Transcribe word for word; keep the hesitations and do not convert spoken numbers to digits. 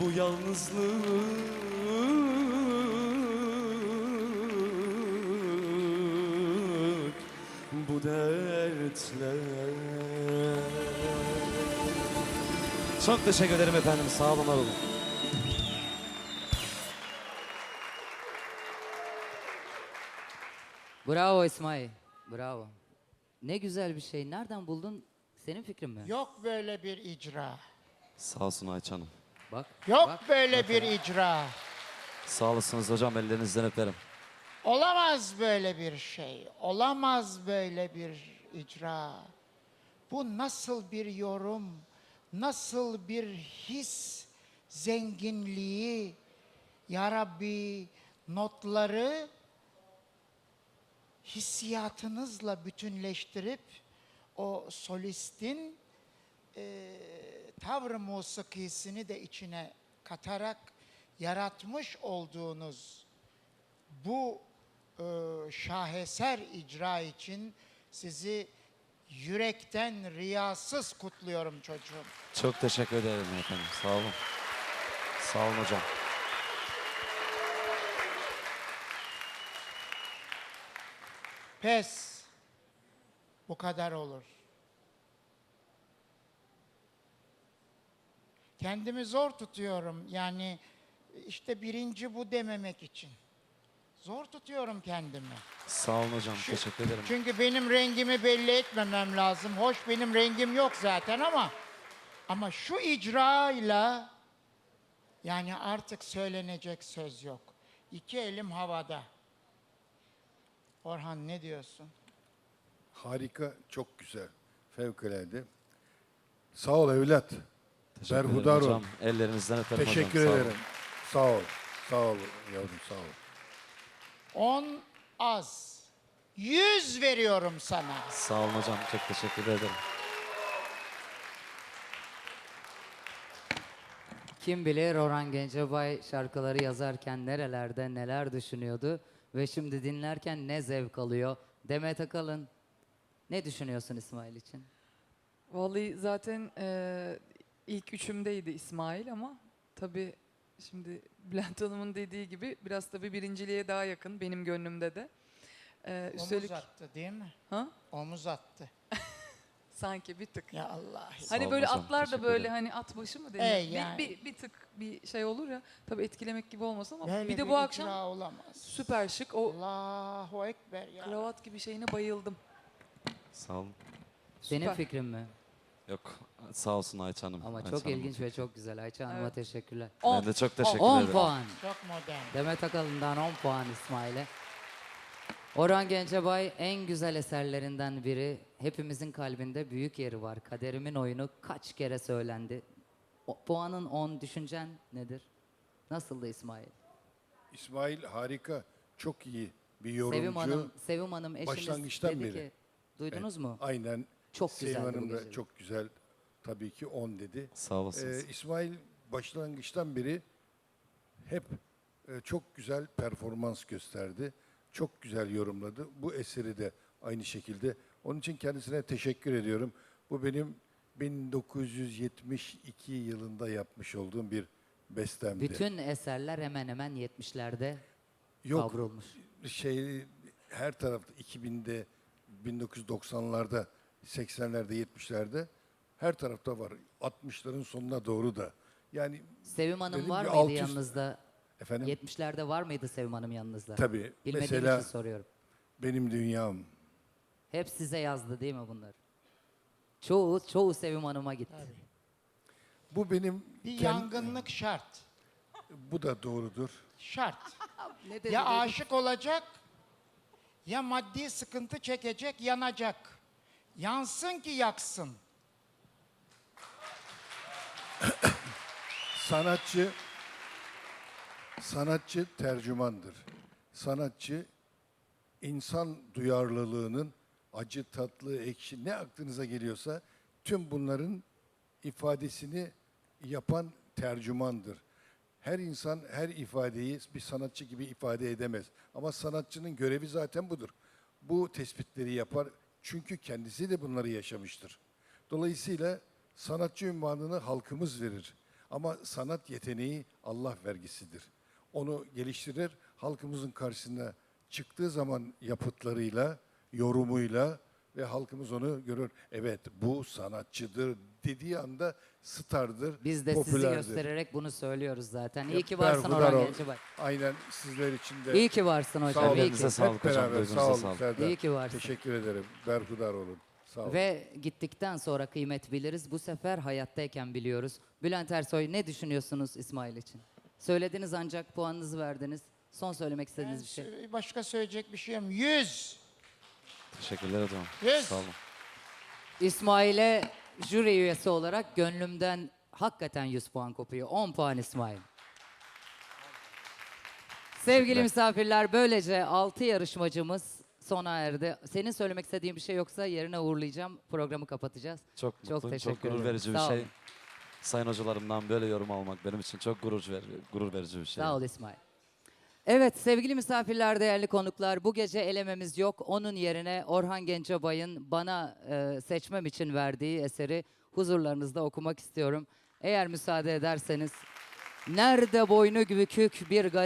bu yalnızlık, bu dertler. Çok teşekkür ederim efendim. Sağ olun, var olun. Bravo İsmail. Bravo. Ne güzel bir şey. Nereden buldun? Senin fikrin mi? Yok böyle bir icra. Sağ olsun Ayça Hanım. Bak. Yok bak, böyle bak bir ya. icra. Sağ olasınız hocam. Ellerinizden öperim. Olamaz böyle bir şey. Olamaz böyle bir icra. Bu nasıl bir yorum? Nasıl bir his zenginliği? Ya Rabbi, notları hissiyatınızla bütünleştirip o solistin e, tavr-ı musikisini de içine katarak yaratmış olduğunuz bu e, şaheser icra için sizi yürekten riyasız kutluyorum çocuğum. Çok teşekkür ederim efendim. Sağ olun. Sağ olun hocam. Pes. Bu kadar olur. Kendimi zor tutuyorum. Yani işte birinci bu dememek için. Zor tutuyorum kendimi. Sağ olun hocam. Teşekkür ederim. Çünkü benim rengimi belli etmemem lazım. Hoş benim rengim yok zaten ama ama şu icrayla yani artık söylenecek söz yok. İki elim havada. Orhan ne diyorsun? Harika, çok güzel. Fevkalade. Sağ ol evlat. Teşekkür ederim Berhudar ol. hocam. Ellerinizden öperim Teşekkür hocam. Sağ olun. ederim. Sağ ol. Sağ ol yavrum, sağ ol. On az. Yüz veriyorum sana. Sağ olun hocam. Çok teşekkür ederim. Kim bilir Orhan Gencebay şarkıları yazarken nerelerde neler düşünüyordu ve şimdi dinlerken ne zevk alıyor. Demet Akalın, ne düşünüyorsun İsmail için? Vallahi zaten eee, ilk üçümdeydi İsmail ama tabii şimdi Bülent Hanım'ın dediği gibi biraz tabii birinciliğe daha yakın benim gönlümde de. Eee, üstelik Omuz attı değil mi? ha? Omuz attı. sanki bir tık. Ya Allah. Sağ Hani olun böyle hocam, atlar da teşekkür böyle ederim. hani at başı mı E, denir? yani. bir, bir, bir tık bir şey olur ya. Tabii etkilemek gibi olmasın ama Böyle bir de bir bu akşam icra olamaz. süper şık o Allahu Ekber ya. kravat gibi şeyine bayıldım. Sağ olun. Senin Süper. fikrin mi? Yok. Sağ olsun Ayça Hanım. Ama Ayça çok Hanım'ın ilginç ve fikri. çok güzel. Ayça Hanım'a Evet. teşekkürler. On. Ben de çok teşekkür on ederim. puan. Çok modern. Demet Akalın'dan on puan İsmail'e. Orhan Gencebay en güzel eserlerinden biri. Hepimizin kalbinde büyük yeri var. Kaderimin oyunu kaç kere söylendi. O, puanın on, düşüncen nedir? Nasıldı İsmail? İsmail harika, çok iyi bir yorumcu. Sevim Hanım, Sevim Hanım eşiniz başlangıçtan dedi beri. ki, duydunuz mu? Aynen. Çok Sevim güzeldi bu Hanım da gece. çok güzel, tabii ki on dedi. Sağ olasınız. Ee, İsmail başlangıçtan beri hep e, çok güzel performans gösterdi. Çok güzel yorumladı. Bu eseri de aynı şekilde. Onun için kendisine teşekkür ediyorum. Bu benim bin dokuz yüz yetmiş iki yılında yapmış olduğum bir bestemdi. Bütün eserler hemen hemen yetmişlerde Yok, kavrulmuş. şey her tarafta iki binde, bin dokuz yüz doksanlarda, seksenlerde, yetmişlerde her tarafta var. altmışların sonuna doğru da. Yani Sevim Hanım dedim var ki mıydı alt üst- yanınızda? efendim yetmişlerde var mıydı Sevim Hanım yanınızda? tabii. Bilmediğim Mesela için soruyorum. benim dünyam. Hep size yazdı değil mi bunlar? Çoğu, çoğu Sevim Hanım'a gitti. Bu benim Bir kend- yangınlık şart. bu da doğrudur. Şart. Ne dedi Ya dedi? aşık olacak, ya maddi sıkıntı çekecek, yanacak. Yansın ki yaksın. Sanatçı sanatçı tercümandır. Sanatçı insan duyarlılığının acı, tatlı, ekşi ne aklınıza geliyorsa tüm bunların ifadesini yapan tercümandır. Her insan her ifadeyi bir sanatçı gibi ifade edemez. Ama sanatçının görevi zaten budur. Bu tespitleri yapar çünkü kendisi de bunları yaşamıştır. Dolayısıyla sanatçı unvanını halkımız verir. Ama sanat yeteneği Allah vergisidir. Onu geliştirir, halkımızın karşısına çıktığı zaman yapıtlarıyla, yorumuyla ve halkımız onu görür. Evet, bu sanatçıdır dediği anda stardır, Biz de sizi popülerdir. göstererek bunu söylüyoruz zaten. İyi Hep ki varsın berhudar Orhan ol. Gencebay. Aynen sizler için de. İyi ki varsın Sağ hocam. olun. iyi ki. Elinize sağlık Hep hocam, beraber duygunuza sağ olun sağlık. Serdar. İyi ki varsın. Teşekkür ederim. Berhudar olun. Sağ olun. Ve gittikten sonra kıymet biliriz. Bu sefer hayattayken biliyoruz. Bülent Ersoy, ne düşünüyorsunuz İsmail için? Söylediniz ancak puanınızı verdiniz. Son söylemek istediğiniz bir şey. Sö- Başka söyleyecek bir şeyim. Yüz. Teşekkürler hocam. Yes. Sağ olun. İsmail'e jüri üyesi olarak gönlümden hakikaten yüz puan kopuyor. on puan İsmail. Sevgili misafirler, böylece altı yarışmacımız sona erdi. Senin söylemek istediğin bir şey yoksa yerine uğurlayacağım. Programı kapatacağız. Çok Çok mutluyum. teşekkür Çok gurur ederim. verici bir Sağ şey. olun. Sayın hocalarımdan böyle yorum almak benim için çok gurur, ver, gurur verici bir şey. Sağ ol İsmail. Evet sevgili misafirler, değerli konuklar, bu gece elememiz yok. Onun yerine Orhan Gencebay'ın bana e, seçmem için verdiği eseri huzurlarınızda okumak istiyorum. Eğer müsaade ederseniz. Nerede boynu bükük bir garip